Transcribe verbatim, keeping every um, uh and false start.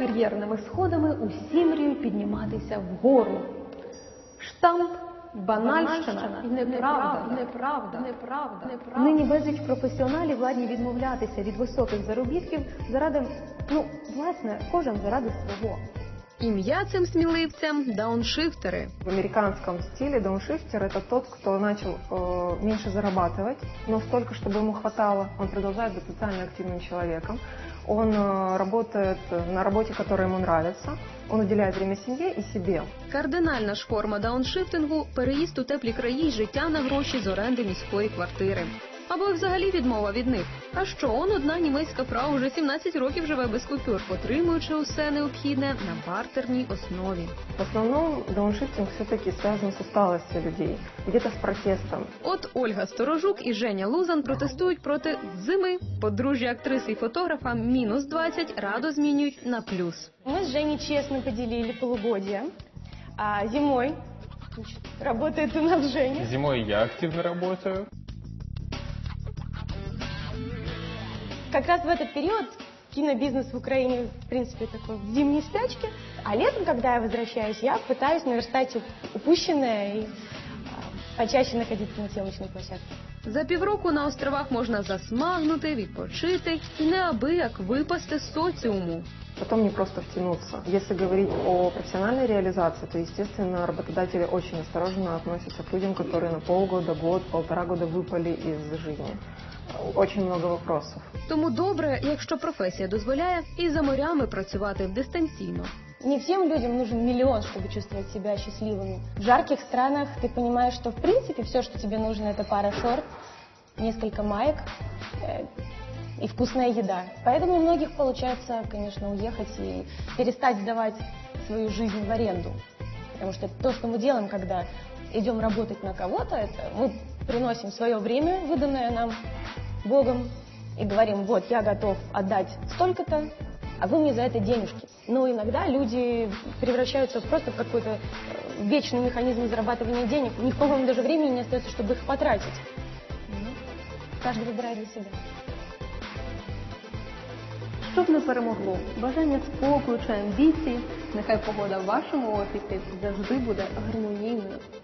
Кар'єрними сходами усі мріють підніматися вгору. Штамп, банальщина і неправда, неправда, неправда, неправда. Нині безліч професіоналів ладні відмовлятися від високих заробітків заради, ну, власне, кожен заради свого. Ім'я цим сміливцям – дауншифтери. В американском стиле дауншифтер – это тот, кто начал э, меньше зарабатывать, но столько, чтобы ему хватало. Он продолжает быть социально активным человеком. Он э, работает на работе, которая ему нравится. Он уделяет время семье и себе. Кардинальна ж форма дауншифтингу – переїзд у теплі краї й життя на гроші з оренди міської квартири. Або взагалі відмова від них. А що, он одна німецька фрау вже сімнадцять років живе без купюр, отримуючи усе необхідне на бартерній основі. В основном дауншифтинг все-таки связан с усталостью людей, где-то с протестом. От Ольга Сторожук і Женя Лузан протестують проти зими. Подружжя актриси і фотографа мінус двадцять радо змінюють на плюс. Мы с Женей честно поделили полугодие. А зимой, значит, работает у нас Женя. Зимой я активно работаю. Как раз в этот период кинобизнес в Украине, в принципе, такой в зимней спячке. А летом, когда я возвращаюсь, я пытаюсь наверстать упущенное и а, почаще находиться на съемочной площадке. За півроку на островах можна засмагнути, відпочити і неабияк випасти з соціуму. Потом не просто втянуться. Если говорить о профессиональной реализации, то, естественно, работодатели очень осторожно относятся к людям, которые на полгода, год, полтора года выпали из жизни. Очень много вопросов. Тому добре, якщо професія дозволяє, і за морями працювати дистанційно. Не всем людям нужен миллион, чтобы чувствовать себя счастливыми. В жарких странах ты понимаешь, что в принципе все, что тебе нужно, это пара шорт, несколько маек э, и вкусная еда. Поэтому у многих получается, конечно, уехать и перестать сдавать свою жизнь в аренду. Потому что то, что мы делаем, когда идем работать на кого-то, это мы приносим свое время, выданное нам Богом, и говорим: вот, я готов отдать столько-то, а вы мне за это денежки. Но иногда люди превращаются просто в какой-то вечный механизм зарабатывания денег. У них, по-моему, даже времени не остается, чтобы их потратить. Каждый выбирает для себя. Щоб не перемогло бажання спокою чи амбіції, нехай погода в вашому офісі завжди буде гармонійною.